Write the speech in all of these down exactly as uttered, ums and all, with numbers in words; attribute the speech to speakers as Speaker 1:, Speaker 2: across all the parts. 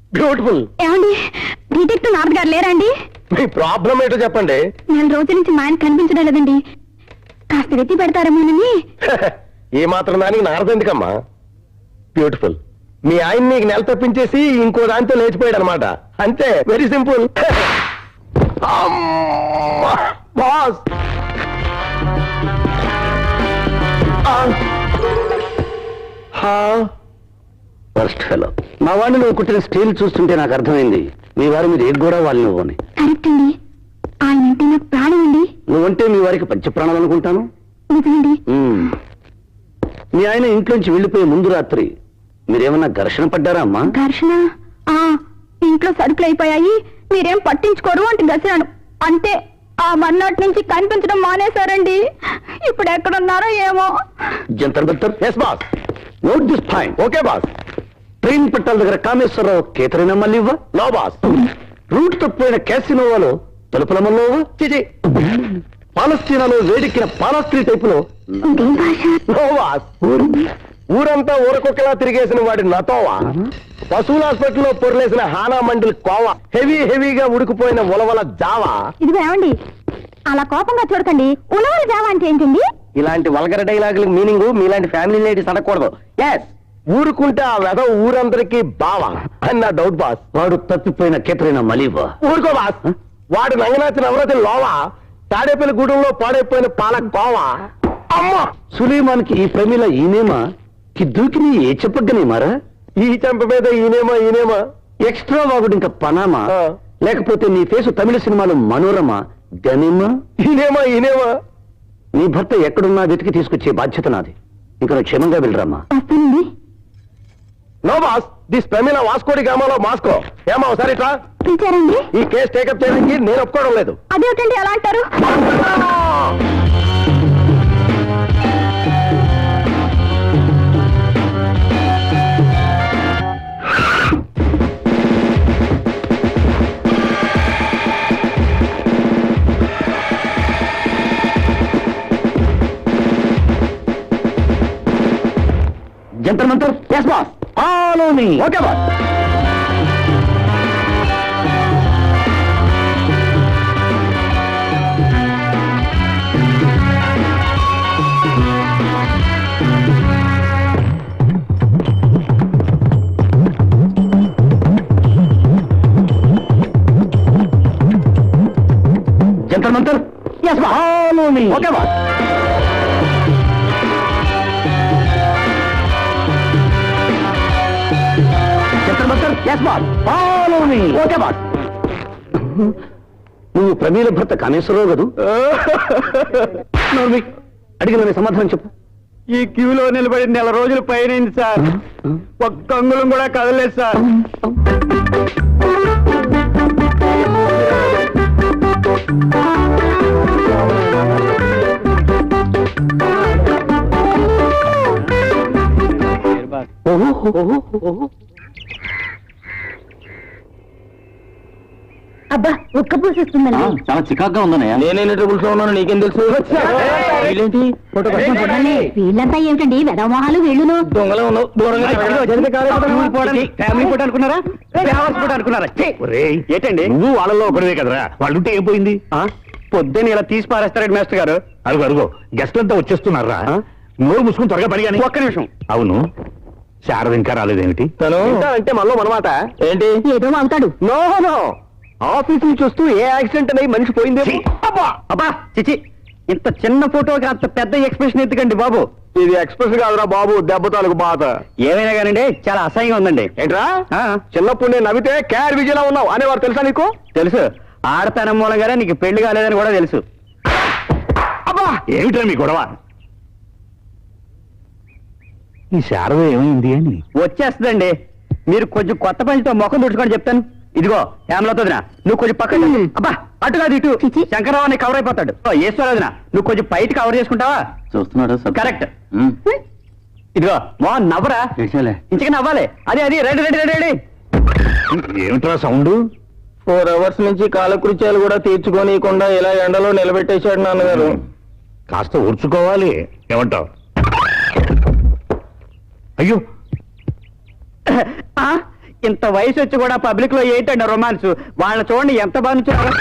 Speaker 1: Beautiful.
Speaker 2: ఏమండి detective Narad గారు లేరండి?
Speaker 1: మీ ప్రాబ్లం ఏంటో చెప్పండి.
Speaker 2: నెల రోజుల నుంచి మా ఆయన కనిపించడం లేదండి, కాస్త వెతి పెడతారేమోనని.
Speaker 1: ఏ మాత్రం దానికి నారద ఎందుకమ్మా? బ్యూటిఫుల్. మీ ఆయన నీకు నెల తప్పించేసి ఇంకో దాంతో లేచిపోయాడు అనమాట. అంతే, very simple. Boss
Speaker 3: first fellow, మా వాడిని నువ్వు కుట్టిన స్టీల్ చూస్తుంటే నాకు అర్థమైంది మీ వారి మీద ఏ కూడా వాళ్ళు నువ్వని.
Speaker 2: కరెక్ట్ అండి, ఆయన అంటే నాకు ప్రాణం అండి.
Speaker 3: నువ్వంటే మీ వారికి పంచప్రాణాలు అనుకుంటాను.
Speaker 2: నిజమండి.
Speaker 3: మీ ఆయన ఇంట్లోంచి వెళ్ళిపోయే ముందు రాత్రి మీరేమన్నా ఘర్షణ పడ్డారా అమ్మా?
Speaker 2: ఘర్షణ? ఆ ఇంట్లో సరుకులు అయిపోయాయి, మీరేం పట్టించుకోరు అంటే గసిరాను అంతే. ఆ మర్నాటి నుంచి కనిపించడం మానేశారండి. ఇప్పుడు ఎక్కడున్నారో ఏమో.
Speaker 3: Jantar Mantar.
Speaker 1: Yes boss.
Speaker 3: Note this point.
Speaker 1: Okay boss.
Speaker 3: Train పట్టాల దగ్గర కామేశ్వరరావు కేతరైనా మళ్ళీ ఇవ్వ.
Speaker 1: No boss.
Speaker 3: రూట్ తప్పిపోయిన క్యాసినోవాలో తలుపులమల్లో చిచి. పాలస్తీనాలో వేడెక్కిన పాలస్త్రీ టైపులో
Speaker 1: నో బాస్. ఊరంతా ఊరకొక్కలా తిరిగేసిన వాడి నతోవా, పశువుల హాస్పిటల్లో పొరలేసిన హానా మండలి కోవా, హెవీ హెవీగా ఉడికిపోయిన ఉలవల జావా.
Speaker 2: ఇదిగో ఏమండి, అలా కోపంగా చూడకండి. ఉలవల జావా అంటే ఏంటండి?
Speaker 1: ఇలాంటి వల్గర డైలాగులకు మీనింగ్ మీలాంటి ఫ్యామిలీ లేడీస్ అనకూడదు. ఎస్, ఊరుకుంటే ఆ వెధ ఊరందరికీ బావా అని నా డౌట్ బాస్.
Speaker 3: వాడు తప్పిపోయిన కేతరైనా మళ్ళీ ఇవ్వ.
Speaker 1: ఊరుకో బాస్. వాడు నంగనాచి నవరతి లోవా, తాడేపల్లి గూడెంలో పాడైపోయిన పాల కోవా. అమ్మా,
Speaker 3: సులేమాన్కి ఈ ప్రమిల ఈనేమా, కిద్దుకి నీ ఏ చెప్పగ్గనేమారా?
Speaker 1: ఈ చెంప మీద ఈనేమా ఈనేమా.
Speaker 3: ఎక్స్ట్రా వాగుడు ఇంకా పనామా,
Speaker 1: ఆ.
Speaker 3: లేకపోతే నీ ఫేసు తమిళ సినిమాలో మనోరమ గనిమా?
Speaker 1: ఈనేమా ఈనేమా.
Speaker 3: నీ భర్త ఎక్కడున్నా వెతికి తీసుకొచ్చే బాధ్యత నాది. ఇంకా నువ్వు క్షేమంగా వెళ్ళరామా.
Speaker 2: వస్తానండి.
Speaker 1: నో బాస్, దిస్ ప్రమిల వాస్కోడి గామాలో మాస్కో. ఏమా ఒకసారి ఇట్లా.
Speaker 2: పిలిచారండి?
Speaker 1: ఈ కేసు టేకప్ చేయడానికి నేను ఒప్పుకోవడం లేదు.
Speaker 2: అదేమిటండి అలా అంటారు?
Speaker 3: Jantar Mantar.
Speaker 1: Yes boss.
Speaker 3: Follow me.
Speaker 1: Okay boss.
Speaker 3: Jantar Mantar.
Speaker 1: Yes boss.
Speaker 3: Follow me.
Speaker 1: Okay boss.
Speaker 3: Jantar Mantar.
Speaker 1: Yes boss.
Speaker 3: Follow me.
Speaker 1: Okay boss.
Speaker 3: నువ్వు ప్రమీల భర్త కామేశ్వరరావు కదూ? నోర్మి, అడిగిన సమాధానం చెప్పు.
Speaker 1: ఈ క్యూలో నిలబడి నెల రోజులు పైనైంది సార్. ఒక్క అంగుళం కూడా కదలేదు సార్.
Speaker 2: అబ్బా ఒక్క పూసిస్తుందండి.
Speaker 3: చాలా చికాగ్గా ఉందన్నయ్య.
Speaker 1: నేనే ట్రబుల్స్ లో ఉన్నాను, నీకేం తెలుసు? వీళ్ళేంటి ఫోటో కోసం చూడండి.
Speaker 2: వీళ్ళంతా ఏమిటండి వెదమోహాలు వీళ్ళును?
Speaker 1: దొంగలో ఉన్నావు, దూరంగా
Speaker 3: ఫ్యామిలీ ఫోటో అనుకున్నారా? ఫోటో అనుకున్నారా? ఏంటండి నువ్వు వాళ్ళలో ఒకరివే కదరా, వాళ్ళుంటే ఏం పోయింది?
Speaker 1: పొద్దున్న ఇలా తీసి పారేస్తారండి మాస్టర్ గారు.
Speaker 3: అరుగు అరుగు, గెస్ట్ అంతా వచ్చేస్తున్నారా? నోరు మూసుకుని త్వరగా పడి కానీ.
Speaker 1: ఒక్క నిమిషం.
Speaker 3: అవును, శారద ఇంకా రాలేదేమిటి?
Speaker 1: తను అంటే మనలో మనమాట ఏంటి?
Speaker 2: ఏదో అవుతాడు.
Speaker 1: నో నో, ఆఫీస్ నుంచి వస్తూ ఏ యాక్సిడెంట్ అనేది మనిషి పోయింది.
Speaker 3: అబ్బా చిచి, ఇంత చిన్న ఫోటోకి అంత పెద్ద ఎక్స్ప్రెషన్ ఎందుకండి బాబు?
Speaker 1: ఇది ఎక్స్ప్రెస్ కాదురా బాబు, దెబ్బ తాలూకు బాధ.
Speaker 3: ఏమైనా కానండి చాలా అసహ్యంగా ఉందండి.
Speaker 1: ఏంట్రా, చిన్నప్పుడు నేను నవ్వితే క్యార్ విజయలా ఉన్నావు అనేవారు తెలుసా నీకు?
Speaker 3: తెలుసు, ఆడతనం మూలంగానే నీకు పెళ్లి కాలేదని కూడా తెలుసు.
Speaker 1: అబ్బా,
Speaker 3: ఏమిటో మీ గొడవ? ఈ శారద ఏమైంది అని వచ్చేస్తుందండి. మీరు కొంచెం కొత్త పంచితో ముఖం తుడుచుకొని చెప్తాను. ఇదిగో హేమలతోదినా, నువ్వు కొంచెం పక్కన. అబ్బా అటు కాదు ఇటు. శంకరరావు కవర్ అయిపోతాడు. ఈశ్వరదినా, నువ్వు కొంచెం పైకి కవర్ చేసుకుంటావా? చూస్తున్నాడు. కరెక్ట్. ఇదిగో మా నవ్వరా, ఇంచగా నవ్వాలి. అదే అది రెడీ రెడీ రెడీ రెడీ. ఏమిట్రా సౌండ్?
Speaker 1: ఫోర్ అవర్స్ నుంచి కాలకృత్యాలు కూడా తీర్చుకోనీయకుండా ఇలా ఎండలో నిలబెట్టేశాడు నాన్నగారు.
Speaker 3: కాస్త ఊర్చుకోవాలి. ఏమంటావు? అయ్యో, ఇంత వయసు వచ్చి కూడా పబ్లిక్ లో ఏంటండి రొమాన్స్? వాళ్ళ చూడండి ఎంత బాగా నుంచున్నారో.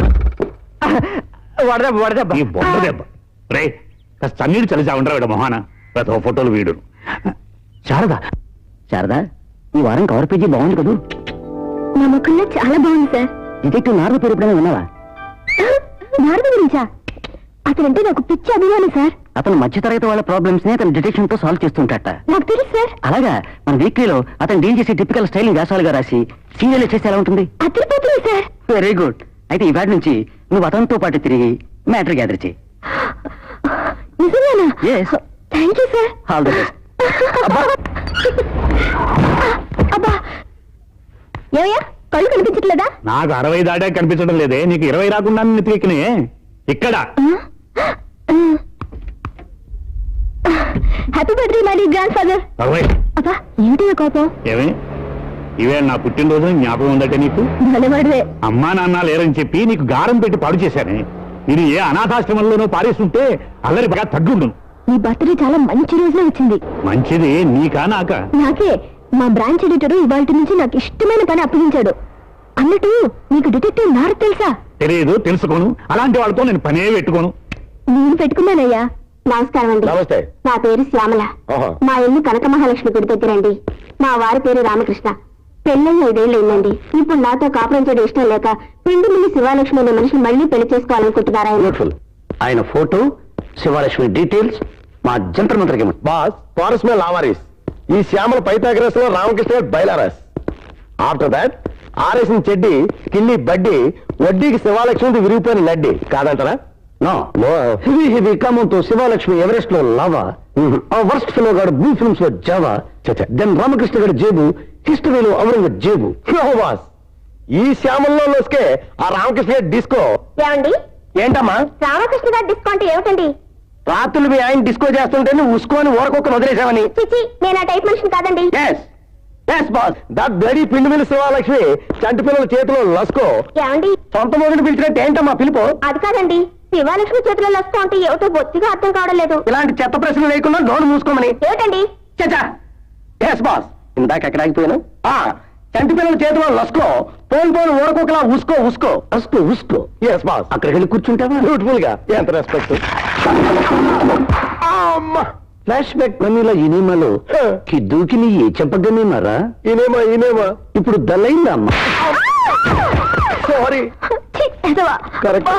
Speaker 3: వడదెబ్బ వడదెబ్బ
Speaker 4: ఈ బొండ దెబ్బ రే కాస్త చన్నీడు చలిసా ఉండరా వీడ మొహాన ప్రతి ఫోటోలు వీడు.
Speaker 3: శారదా శారదా ఈ వారం కవర్ పేజీ బాగుంది కదూ.
Speaker 2: నా ముఖంలో చాలా బాగుంది సార్.
Speaker 3: డిటెక్టివ్ నారద పేరు ఎప్పుడైనా విన్నావా?
Speaker 2: నారద గురించా? అతనంటే నాకు పిచ్చి అభిమానం సార్.
Speaker 3: అతను మధ్యతరగతి వాళ్ళ ప్రాబ్లమ్స్ ని అతను డిటెక్షన్ తో సాల్వ్ చేస్తుంటాట.
Speaker 2: నాకు తెలుసు సార్.
Speaker 3: అలాగా మన వీక్లీలో అతను డీల్ చేసే టిపికల్ స్టైలింగ్ వ్యాసాలుగా రాసి సీరియల్ చేస్తే ఎలా ఉంటుంది?
Speaker 2: అదిరిపోతుంది సార్.
Speaker 3: Very good. అయితే ఈ వాటి నుంచి నువ్వు అతనితో పాటు తిరిగి మ్యాటర్ గ్యాదర్ చేయి.
Speaker 2: నిజంగానా?
Speaker 3: Yes.
Speaker 2: Thank you sir.
Speaker 3: All the best.
Speaker 2: అబ్బా ఏమయ్యా కళ్ళు కనిపించట్లేదా?
Speaker 4: నాకు అరవై దాటే కనిపించడం లేదే, నీకు ఇరవై రాకుండా నెత్తికెక్కినే ఇక్కడ.
Speaker 2: Happy birthday my grandfather.
Speaker 4: అరవై
Speaker 2: అబ్బా ఏమిటి కోపం?
Speaker 4: ఏమే ఇవే నా పుట్టినరోజు జ్ఞాపకం ఉందటే నీకు?
Speaker 2: భలేవాడివే.
Speaker 4: అమ్మా నాన్న లేరని చెప్పి నీకు గారం పెట్టి పాడు చేశానే. ఇది ఏ అనాథాశ్రమంలోనూ పారేస్తుంటే అల్లరి బాగా తగ్గుండు.
Speaker 2: నీ బర్త్డే చాలా మంచి రోజున వచ్చింది.
Speaker 4: మంచిది నీకా నాకా?
Speaker 2: నాకే. మా బ్రాంచ్ ఎడిటర్ ఇవాళ నుంచి నాకు ఇష్టమైన పని అప్పగించాడు. అన్నట్టు నీకు డిటెక్టివ్ నారద తెలుసా?
Speaker 4: తెలియదు, తెలుసుకోను. అలాంటి వాళ్ళతో నేను పనే పెట్టుకోను.
Speaker 2: నేను పెట్టుకున్నానయ్యా. నమస్కారం అండి.
Speaker 1: నమస్తే.
Speaker 2: నా పేరు శ్యామల.
Speaker 1: ఆహా.
Speaker 2: మా ఇల్లు కనక మహాలక్ష్మి గుడి దగ్గరండి. మా వారి పేరు రామకృష్ణ. పెళ్ళై ఐదేళ్లు అయిందండి. ఇప్పుడు నాతో కాపురం చేయడం ఇష్టం లేక పిండి మిల్లి శివాలక్ష్మి అనే మనిషిని మళ్ళీ పెళ్లి చేసుకోవాలనుకుంటున్నారు ఆయన.
Speaker 3: బ్యూటిఫుల్. ఆయన ఫోటో, శివలక్ష్మి డీటెయిల్స్ మా జంతర్ మంత్రకి.
Speaker 1: బాస్ పారస్ మే లావారీస్. ఈ శ్యామల పైథాగరస్ లో రామకృష్ణ బైలారస్. ఆఫ్టర్ దాట్ ఆరేసిన చెడ్డి కిల్లి బడ్డి వడ్డీకి శివాలక్ష్మి విరిగిపోయిన నడ్డి కాదంటారా?
Speaker 3: No
Speaker 1: no.
Speaker 3: హెవీ హెవీ కామంతో శివలక్ష్మి ఎవరెస్ట్ లో లావా, ఆ వర్స్ట్ ఫిలో గాడు బ్లూ ఫిల్మ్స్ లో జావా, దెన్ రామకృష్ణ గారి జేబు హిస్టరీలో ఔరంగ జేబు.
Speaker 1: నో బాస్, ఈ శ్యామల్లో లోసుకే ఆ రామకృష్ణ డిస్కో.
Speaker 2: ఏమండి
Speaker 3: ఏంటమ్మా
Speaker 2: రామకృష్ణ గారి డిస్కో అంటే ఏమిటండి?
Speaker 3: రాత్రులు మీ ఆయన డిస్కో చేస్తుంటే నువ్వు ఉసుకోని ఊరకొక్కను వదిలేసావని.
Speaker 2: చిచి నేను ఆ టైప్ మనిషిని కాదండి.
Speaker 3: Yes yes boss.
Speaker 1: That bloody పిండి మిల్లి శివాలక్ష్మి చంటి పిల్లల చేతిలో లస్కో.
Speaker 2: ఏమండి
Speaker 3: సొంత మొదటి పిలిచినట్టు ఏంటమ్మా పిలుపు?
Speaker 2: అది కాదండి, శివాలక్ష్మి చేతిలో లస్కో అంటే ఏమిటో బొత్తిగా అర్థం కావడం లేదు.
Speaker 3: ఇలాంటి చెత్త ప్రశ్నలు లేకుండా నోరు మూసుకోమని.
Speaker 2: ఏమిటండి?
Speaker 3: చచ్చా ఎస్ బాస్. ఇందాక ఎక్కడ ఆగిపోయాను? ఆ చంటి పిల్లల చేతిలో లస్కో, పోను పోను ఊరకొకలా ఉసుకో ఉసుకో ఉసుకో ఉసుకో.
Speaker 1: Yes boss.
Speaker 3: అక్కడికి వెళ్ళి కూర్చుంటావా?
Speaker 1: బ్యూటిఫుల్ గా. ఎంత రెస్పెక్ట్.
Speaker 3: ఫ్లాష్ బ్యాక్ మనీలో ఇనిమలో కి దూకిని ఏ చెప్పగనేమారా?
Speaker 1: ఈనేమా ఈనేమా
Speaker 3: ఇప్పుడు దల్లైందా అమ్మా?
Speaker 1: సారీ. కరెక్ట్.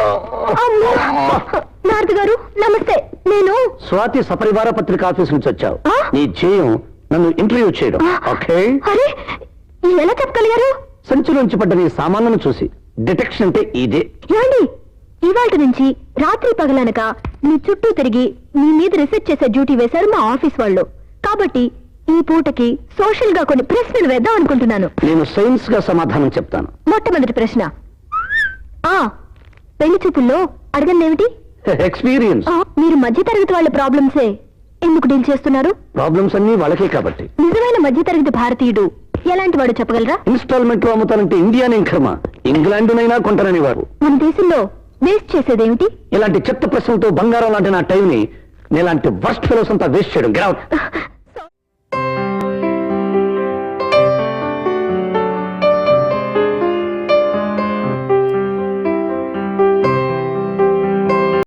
Speaker 2: నారద గారు నమస్తే. నేను
Speaker 3: స్వాతి సపరివార పత్రిక ఆఫీస్ నుంచి వచ్చావు.
Speaker 2: ఆ?
Speaker 3: నీ ధ్యేయం నన్ను ఇంటర్వ్యూ చేయడం. ఓకే.
Speaker 2: అరే ఎలా చెప్పగలిగారు?
Speaker 3: సంచి నుంచి పడ్డ నీ సామాన్లను చూసి డిటెక్షన్ అంటే ఇదే.
Speaker 2: ఏమండి ఇవాళ నుంచి రాత్రి పగలనక మీ చుట్టూ తిరిగి మీ మీద రీసెర్చ్ చేసే డ్యూటీ వేశారు మా ఆఫీస్ వాళ్ళు. కాబట్టి ఈ పూటకి సోషల్ గా కొన్ని ప్రశ్నలు వేద్దాం అనుకుంటున్నాను.
Speaker 3: నేను సైన్స్ గా సమాధానం చెప్తాను.
Speaker 2: మొట్టమొదటి ప్రశ్న, ఆ పెళ్లి చూపుల్లో అడగండి ఏమిటి?
Speaker 3: ఎక్స్పీరియన్స్.
Speaker 2: ఆ, మీరు మధ్యతరగతి వాళ్ళ ప్రాబ్లమ్సే ఎందుకు డీల్ చేస్తున్నారు?
Speaker 3: ప్రాబ్లమ్స్ అన్ని వాళ్ళకే కాబట్టి.
Speaker 2: నిజమైన మధ్యతరగతి భారతీయుడు ఎలాంటి వాడు చెప్పగలరా?
Speaker 3: ఇన్స్టాల్మెంట్ లో అమ్ముతానంటే ఇండియానే కర్మ, ఇంగ్లాండునైనా కొంటానని వారు.
Speaker 2: మన దేశంలో వేస్ట్ చేసేదేమిటి?
Speaker 3: ఇలాంటి చెత్త ప్రశ్నలతో బంగారం లాంటి నా టైం ని నీలాంటి వర్స్ట్ ఫెలోస్ అంతా వేస్ట్ చేయడం. Get out.